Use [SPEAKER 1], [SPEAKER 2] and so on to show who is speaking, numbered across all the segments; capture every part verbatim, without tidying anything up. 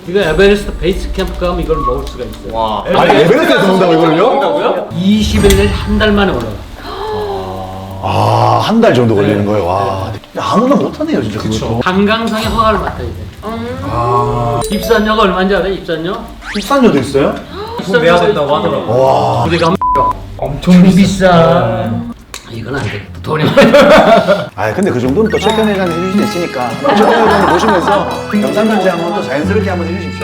[SPEAKER 1] 이거 에베레스트 베이스 캠프 가면 이걸 먹을 수가 있어요.
[SPEAKER 2] 와.
[SPEAKER 3] 아니 에베레스트에서 먹는다고 이걸요?
[SPEAKER 2] 먹는다고요?
[SPEAKER 1] 이십 일 내지 한 달 만에 올라가.
[SPEAKER 3] 아, 한 달 정도 걸리는 거예요. 와. 아무나 못하네요, 진짜. 그것도.
[SPEAKER 1] 한강상에 허가를 맡아야 돼.
[SPEAKER 3] 아.
[SPEAKER 1] 입산료가 얼마인지 알아요? 입산료?
[SPEAKER 3] 입산료도 있어요?
[SPEAKER 2] 돈 내야 된다고 하더라고.
[SPEAKER 3] 와.
[SPEAKER 1] 우리가
[SPEAKER 2] 엄청
[SPEAKER 1] 비싸. 이건 안 돼. 돈이
[SPEAKER 3] 아, 근데 그 정도는 또 최현 회장님 해주실 수 있으니까 최현 회장님 모시면서 영상 편지 한번 또 자연스럽게 한번 해주십시오.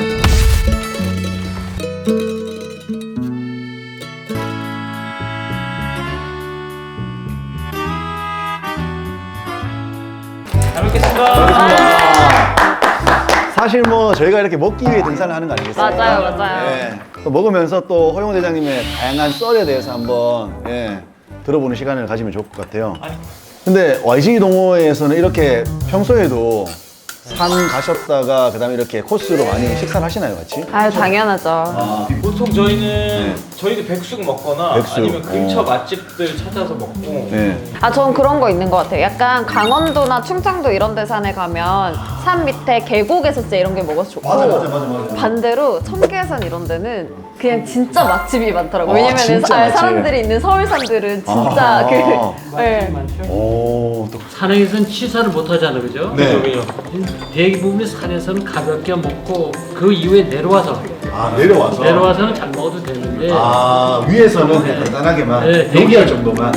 [SPEAKER 2] 잘 먹겠습니다.
[SPEAKER 3] 사실 뭐 저희가 이렇게 먹기 위해 등산을 하는 거 아니겠어요?
[SPEAKER 4] 맞아요, 맞아요.
[SPEAKER 3] 예. 또 먹으면서 또 허용 대장님의 다양한 썰에 대해서 한번 예, 들어보는 시간을 가지면 좋을 것 같아요. 근데 와이지 동호회에서는 이렇게 평소에도 산 가셨다가 그다음에 이렇게 코스로 많이 식사를 하시나요, 같이?
[SPEAKER 4] 아유, 당연하죠.
[SPEAKER 3] 아,
[SPEAKER 2] 보통 저희는 저희도 백숙 먹거나
[SPEAKER 3] 백숙.
[SPEAKER 2] 아니면 근처
[SPEAKER 3] 어.
[SPEAKER 2] 맛집들 찾아서 먹고.
[SPEAKER 3] 네.
[SPEAKER 4] 아, 전 그런 거 있는 것 같아요. 약간 강원도나 충청도 이런 데 산에 가면 산 밑에 계곡에서 진짜 이런 게 먹어서 좋고
[SPEAKER 3] 맞아, 맞아, 맞아, 맞아.
[SPEAKER 4] 반대로 청계산 이런 데는 그냥 진짜 맛집이 많더라고요.
[SPEAKER 3] 아,
[SPEAKER 4] 왜냐면
[SPEAKER 3] 진짜
[SPEAKER 4] 사-
[SPEAKER 3] 맛집.
[SPEAKER 4] 사람들이 있는 서울산들은 진짜
[SPEAKER 3] 아.
[SPEAKER 4] 그 네.
[SPEAKER 3] 오, 또.
[SPEAKER 1] 산에서는 취사를 못 하잖아, 그죠?
[SPEAKER 3] 네.
[SPEAKER 1] 대부분이 산에서는 가볍게 먹고 그 이후에 내려와서
[SPEAKER 3] 아, 내려와서.
[SPEAKER 1] 내려와서는 잘 먹어도 되는데
[SPEAKER 3] 아, 위에서는 그냥 간단하게만.
[SPEAKER 1] 네,
[SPEAKER 3] 용기할
[SPEAKER 1] 되게-
[SPEAKER 3] 정도만.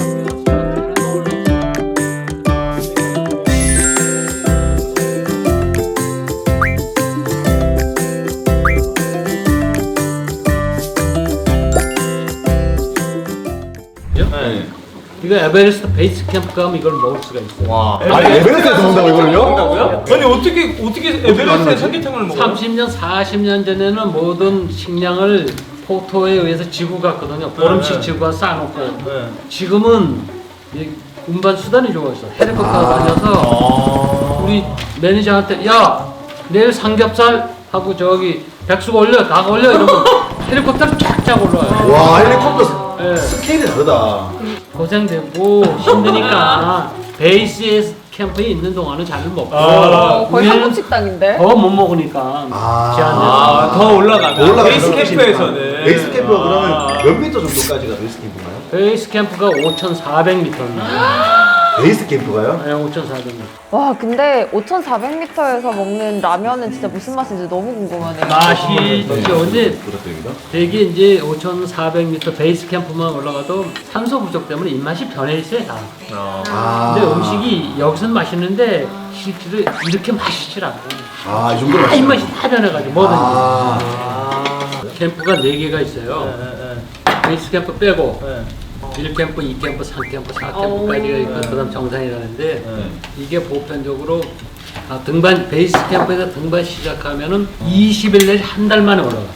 [SPEAKER 2] 네.
[SPEAKER 1] 이거 에베레스트 베이스 캠프 가면 이걸 먹을 수가 있어요.
[SPEAKER 2] 와.
[SPEAKER 3] 아니, 에베레스트에서 먹는다고 이걸요?
[SPEAKER 2] 먹는다고요? 아니 어떻게 어떻게 에베레스트에 삼계탕을 먹어요?
[SPEAKER 1] 삼십 년, 사십 년 전에는 모든 식량을 포토에 의해서 지고 갔거든요. 보름씩
[SPEAKER 2] 네.
[SPEAKER 1] 지고 쌓아놓고.
[SPEAKER 2] 네.
[SPEAKER 1] 지금은 이 운반 수단이 좋아졌어. 헬리콥터가 다녀서 우리 매니저한테 야 내일 삼겹살 하고 저기 백숙 올려, 닭 올려 이러면 헬리콥터로 쫙쫙 올라와요.
[SPEAKER 3] 와, 헬리콥터
[SPEAKER 1] 네.
[SPEAKER 3] 스케일이 다르다.
[SPEAKER 1] 고생되고 힘드니까 베이스 캠프에 있는 동안은 잘 먹고
[SPEAKER 2] 아,
[SPEAKER 4] 어, 거의
[SPEAKER 1] 위에는
[SPEAKER 4] 한국 식당인데?
[SPEAKER 1] 더 못 먹으니까
[SPEAKER 3] 아.
[SPEAKER 1] 제한돼서.
[SPEAKER 2] 아, 더 올라가다.
[SPEAKER 3] 더 올라가서
[SPEAKER 2] 베이스
[SPEAKER 3] 그러시니까.
[SPEAKER 2] 캠프에서는.
[SPEAKER 3] 베이스 캠프가
[SPEAKER 2] 아.
[SPEAKER 3] 그러면 몇 미터 정도까지가 베이스 캠프인가요?
[SPEAKER 1] 베이스 캠프가 오천사백 미터입니다.
[SPEAKER 3] 베이스 캠프가요?
[SPEAKER 1] 네, 오천사백 미터.
[SPEAKER 4] 와, 근데 오천사백 미터에서 먹는 라면은 진짜 무슨 맛인지 너무 궁금하네요.
[SPEAKER 1] 맛이 이제 언제
[SPEAKER 3] 부탁드립니다.
[SPEAKER 1] 되게 이제 오천사백 미터 베이스 캠프만 올라가도 산소 부족 때문에 입맛이 변해 있어요 다.
[SPEAKER 3] 아.
[SPEAKER 1] 근데 음식이 여기서는 맛있는데 실제로 이렇게 맛있질 않고
[SPEAKER 3] 아, 이 정도로
[SPEAKER 1] 다 입맛이 다 변해가지고 뭐든지.
[SPEAKER 3] 아.
[SPEAKER 1] 캠프가 네 개가 있어요.
[SPEAKER 2] 네,
[SPEAKER 1] 베이스 캠프 빼고
[SPEAKER 2] 네,
[SPEAKER 1] 일 캠프, 이 캠프, 삼 캠프, 사 캠프까지가 있고 그다음 정상이라는데
[SPEAKER 2] 네.
[SPEAKER 1] 이게 보편적으로 아, 등반 베이스 캠프에서 등반 시작하면은 이십 일 내지 한 달 만에 올라가.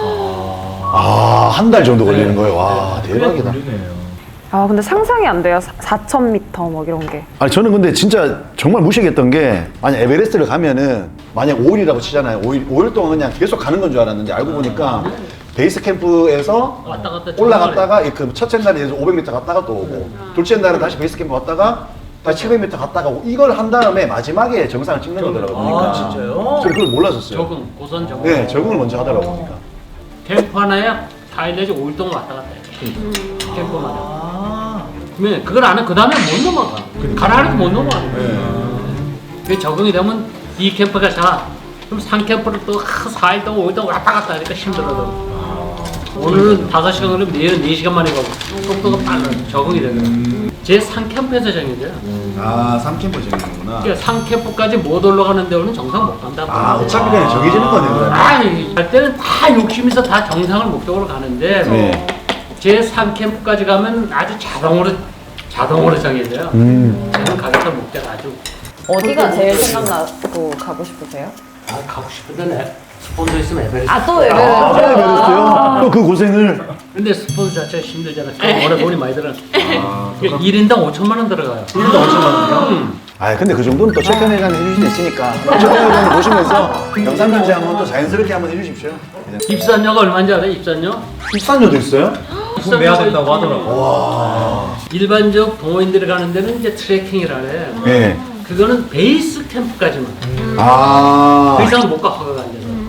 [SPEAKER 3] 아, 한 달 정도 걸리는 거예요. 와, 대박이다.
[SPEAKER 2] 걸리네요.
[SPEAKER 4] 아, 근데 상상이 안 돼요. 사천 미터 막 이런 게.
[SPEAKER 3] 아니, 저는 근데 진짜 정말 무시했던 게, 만약 에베레스트를 가면은, 만약 오 일이라고 치잖아요. 오 일, 오 일 동안 그냥 계속 가는 건 줄 알았는데, 알고 보니까, 베이스 캠프에서
[SPEAKER 1] 왔다 갔다
[SPEAKER 3] 올라갔다가, 이 그 첫째 날에 오백 미터 갔다가 또 오고, 둘째 날은 다시 베이스 캠프 갔다가, 다시 칠백 미터 갔다가 오고, 이걸 한 다음에 마지막에 정상을 찍는 거더라고요. 보니까.
[SPEAKER 2] 아, 진짜요?
[SPEAKER 3] 저는 그걸 몰랐었어요.
[SPEAKER 1] 적응, 고선 적응.
[SPEAKER 3] 네, 적응을 먼저 하더라고요. 보니까.
[SPEAKER 1] 캠프 하나에 사 일 내지 오 일 동안 왔다 갔다 해. 캠프마다.
[SPEAKER 2] 아.
[SPEAKER 1] 그러면 그걸 안 해, 그 다음에 못 넘어가. 가라 해도 못 넘어가는
[SPEAKER 3] 네.
[SPEAKER 1] 거야. 그게 적응이 되면 이 캠프가 자. 그럼 삼 캠프를 또 사 일 동안 오 일 동안 왔다 갔다 하니까 힘들어도. 오늘은 다섯 시간 걸리면 내일은 네 시간 만에 가고 속도가 빨라. 적응이 되거든. 제 삼 캠프에서 정해져요.
[SPEAKER 3] 아, 삼 캠프 정해지는구나.
[SPEAKER 1] 그러니까 삼 캠프까지 못 올라가는 데는 정상 못 간다.
[SPEAKER 3] 아, 어차피 그냥 정해지는 거네요, 그러면.
[SPEAKER 1] 아니, 갈 때는 다 욕심 있어 다 정상을 목적으로 가는데
[SPEAKER 3] 네.
[SPEAKER 1] 제 삼 캠프까지 가면 아주 자동으로 자동으로 정해져요.
[SPEAKER 3] 음.
[SPEAKER 1] 저는 가겠다 목적 아주
[SPEAKER 4] 어디가 제일 생각나고 가고 싶으세요?
[SPEAKER 1] 아, 가고 싶은데 내 스폰서 있으면 에베레스트.
[SPEAKER 4] 아, 또
[SPEAKER 3] 아,
[SPEAKER 4] 에베레스트.
[SPEAKER 3] 에베레스트요? 또 그 고생을.
[SPEAKER 1] 근데 스폰서 자체가 힘들잖아. 그 오래 돈이 많이 들어. 그러니까 일 인당 오천만 원 들어가요.
[SPEAKER 3] 일 인당 오천만 원이요?
[SPEAKER 1] 음.
[SPEAKER 3] 아, 근데 그 정도는 또 최현 회장님 해주실 수 있으니까 최현 회장님 모시면서 영상 편지 한번 또 자연스럽게 한번 해주십시오.
[SPEAKER 1] 입산료가 얼마인지 알아요? 입산료?
[SPEAKER 3] 입산료도 있어요?
[SPEAKER 2] 돈 내야 된다고 하더라고.
[SPEAKER 3] 와.
[SPEAKER 1] 일반적 동호인들이 가는 데는 이제 트레킹이라래.
[SPEAKER 3] 네.
[SPEAKER 1] 그거는 베이스 캠프까지만.
[SPEAKER 3] 아.
[SPEAKER 1] 그 이상은 못 가, 허가가 안 돼서.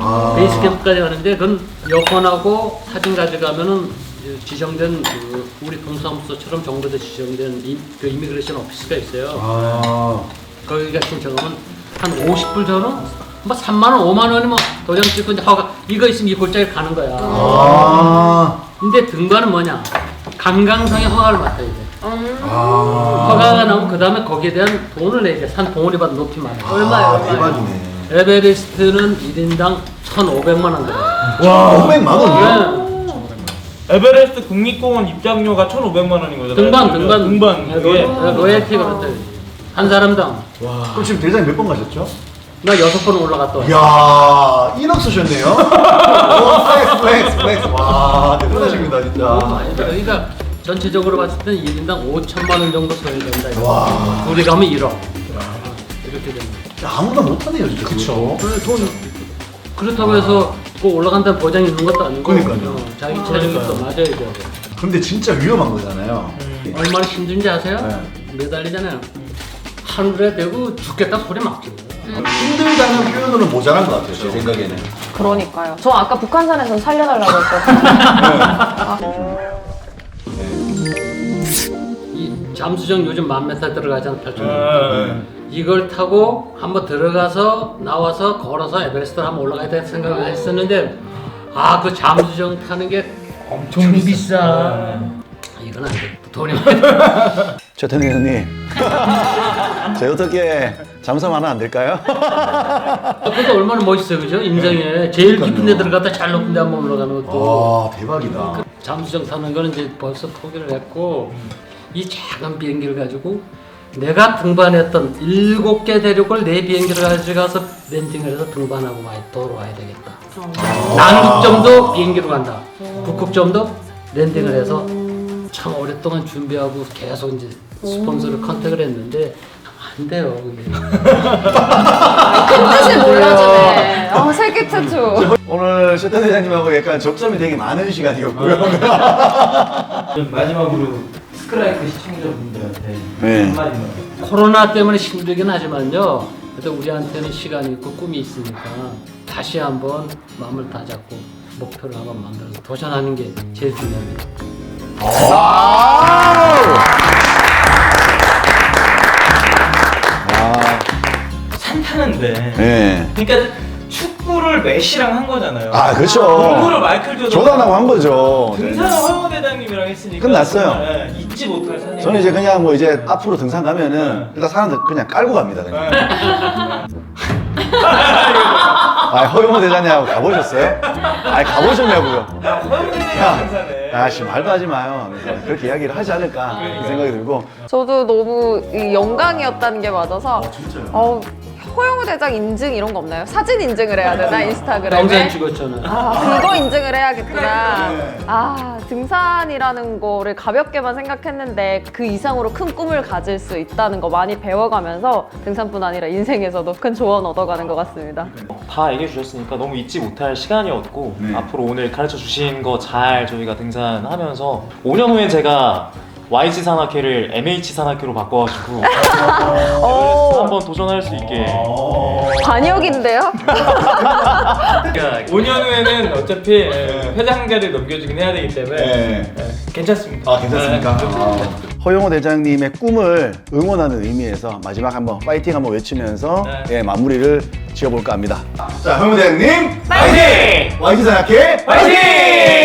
[SPEAKER 3] 아.
[SPEAKER 1] 베이스 캠프까지 가는데 그건 여권하고 사진 가져가면은 이제 지정된 그 우리 동사무소처럼 정부에서 지정된 이, 그 이미그레이션 오피스가 있어요.
[SPEAKER 3] 아.
[SPEAKER 1] 거기가 신청하면 한 오십 불 전후 뭐 삼만 원, 오만 원이 뭐 도장 찍고 이제 허가 이거 있으면 이 골짜기 가는 거야.
[SPEAKER 3] 아.
[SPEAKER 1] 근데 등반은 뭐냐? 강강상의 허가를 맡아야 돼.
[SPEAKER 3] 아.
[SPEAKER 1] 허가가 나오면 그 다음에 거기에 대한 돈을 내야 돼. 산 봉우리 받은 높이만.
[SPEAKER 4] 얼마예요?
[SPEAKER 3] 아,
[SPEAKER 4] 얼마예요?
[SPEAKER 3] 대박이네.
[SPEAKER 1] 에베레스트는 일 인당 천오백만 원 들어요.
[SPEAKER 3] 와, 오백만 원이요?
[SPEAKER 1] 네.
[SPEAKER 2] 에베레스트 국립공원 입장료가 천오백만 원인 거잖아요.
[SPEAKER 1] 등반, 등반.
[SPEAKER 2] 등반.
[SPEAKER 1] 네,
[SPEAKER 2] 그게.
[SPEAKER 1] 로얄- 로얄티가 그렇대. 한 사람당.
[SPEAKER 3] 그럼 지금 대장님 몇 번 가셨죠?
[SPEAKER 1] 나 여섯 번 올라갔다 왔어.
[SPEAKER 3] 이야, 일억 쓰셨네요? 오, 플렉스, 플렉스, 플렉스. 와, 대단하십니다,
[SPEAKER 1] 너무
[SPEAKER 3] 진짜.
[SPEAKER 1] 많이 들어. 그러니까 전체적으로 봤을 때는 일 인당 오천만 원 정도 소요된다. 이거.
[SPEAKER 3] 와.
[SPEAKER 1] 우리 가면 일억. 이렇게 됩니다.
[SPEAKER 3] 아무나 못하네요, 진짜. 그쵸.
[SPEAKER 1] 그래, 돈 그렇다고 해서 꼭 올라간다는 보장이 있는 것도 아니고
[SPEAKER 3] 그러니까요.
[SPEAKER 1] 어, 자기 체력이 또 맞아야 돼요.
[SPEAKER 3] 근데 진짜 위험한 거잖아요.
[SPEAKER 1] 얼마나 힘든지 아세요?
[SPEAKER 3] 네.
[SPEAKER 1] 매달리잖아요. 하늘에 대고 죽겠다 소리 막 지르고.
[SPEAKER 3] 힘들다는 표현으로는 모자란 것 같아요, 제 생각에는.
[SPEAKER 4] 그러니까요. 저 아까 북한산에서 살려달라고 했거든요.
[SPEAKER 1] 이 잠수정 요즘 만 메타 들어가잖아 팔천 원.
[SPEAKER 2] 아,
[SPEAKER 1] 이걸 타고 한번 들어가서 나와서 걸어서 에베레스트를 한번 올라가야 될 생각을 했었는데 아 그 잠수정 타는 게 엄청 비싸. 이건 안 돼. 돈이 많이
[SPEAKER 3] 최태능 회장님, 제 어떻게 잠수함 하나 안 될까요?
[SPEAKER 1] 그것도 얼마나 멋있어요, 그죠? 인생에 제일 깊은 데 들어갔다 잘 높은 데 한번 올라가는 것도.
[SPEAKER 3] 와, 대박이다.
[SPEAKER 1] 잠수정 타는 거는 이제 벌써 포기를 했고 이 작은 비행기를 가지고 내가 등반했던 일곱 개 대륙을 내 비행기를 가져가서 랜딩을 해서 등반하고 많이 돌아와야 되겠다. 남극점도 비행기로 간다. 북극점도 랜딩을 해서 참 오랫동안 준비하고 계속 이제 스폰서를 컨택을 했는데 안 돼요. 그게.
[SPEAKER 4] 뜻을 몰라주네. 어, 세계 최초.
[SPEAKER 3] 오늘 최태능 회장님하고 약간 접점이 되게 많은 시간이었고요.
[SPEAKER 5] 마지막으로 스크라이크 시청자분들한테
[SPEAKER 3] 네.
[SPEAKER 5] 한마디만.
[SPEAKER 1] 코로나 때문에 힘들긴 하지만요. 그래도 우리한테는 시간이 있고 꿈이 있으니까 다시 한번 마음을 다잡고 목표를 한번 만들어서 도전하는 게 제일 중요합니다.
[SPEAKER 3] 와우!
[SPEAKER 5] 산 타는데.
[SPEAKER 3] 네.
[SPEAKER 5] 그러니까 축구를 메시랑 한 거잖아요.
[SPEAKER 3] 아, 그렇죠.
[SPEAKER 5] 농구를 마이클 조던.
[SPEAKER 3] 조단하고 한 거죠.
[SPEAKER 5] 등산은 허영호 대장님이랑 했으니까.
[SPEAKER 3] 끝났어요.
[SPEAKER 5] 정말, 예, 잊지 못할 산이.
[SPEAKER 3] 저는 이제 그냥 뭐 이제 앞으로 등산 가면은 일단 사람들 그냥 깔고 갑니다, 그냥. 아, 허용호 대장님하고 가보셨어요? 아, 가보셨냐고요?
[SPEAKER 5] 허영호 대장님
[SPEAKER 3] 야,
[SPEAKER 5] 등산에.
[SPEAKER 3] 아씨 말도 하지 마요. 그렇게 이야기를 하지 않을까 이 생각이 들고.
[SPEAKER 4] 저도 너무 이 영광이었다는 게 맞아서
[SPEAKER 3] 진짜요?
[SPEAKER 4] 어, 허영우 대장 인증 이런 거 없나요? 사진 인증을 해야 되나 인스타그램에?
[SPEAKER 1] 영상 찍었잖아요.
[SPEAKER 4] 아, 그거 인증을 해야겠구나. 아, 등산이라는 거를 가볍게만 생각했는데 그 이상으로 큰 꿈을 가질 수 있다는 거 많이 배워가면서 등산뿐 아니라 인생에서도 큰 조언 얻어가는 것 같습니다.
[SPEAKER 6] 다 얘기해 주셨으니까 너무 잊지 못할 시간이었고
[SPEAKER 3] 네.
[SPEAKER 6] 앞으로 오늘 가르쳐 주신 거 잘 저희가 등산하면서 오 년 후엔 제가 와이지 산악회를 엠에이치 산악회로 바꿔가지고
[SPEAKER 4] 오,
[SPEAKER 6] 한번 도전할 수 있게
[SPEAKER 4] 반역인데요?
[SPEAKER 2] 오 년 후에는 어차피 예, 회장 자리를 넘겨주긴 해야 되기 때문에
[SPEAKER 3] 네.
[SPEAKER 2] 예, 괜찮습니다.
[SPEAKER 3] 아, 괜찮습니까? 아. 허용호 대장님의 꿈을 응원하는 의미에서 마지막 한번 파이팅 한번 외치면서
[SPEAKER 2] 네.
[SPEAKER 3] 예, 마무리를 지어볼까 합니다. 자, 허용호 대장님
[SPEAKER 2] 파이팅!
[SPEAKER 3] 와이지 산악회
[SPEAKER 2] 파이팅!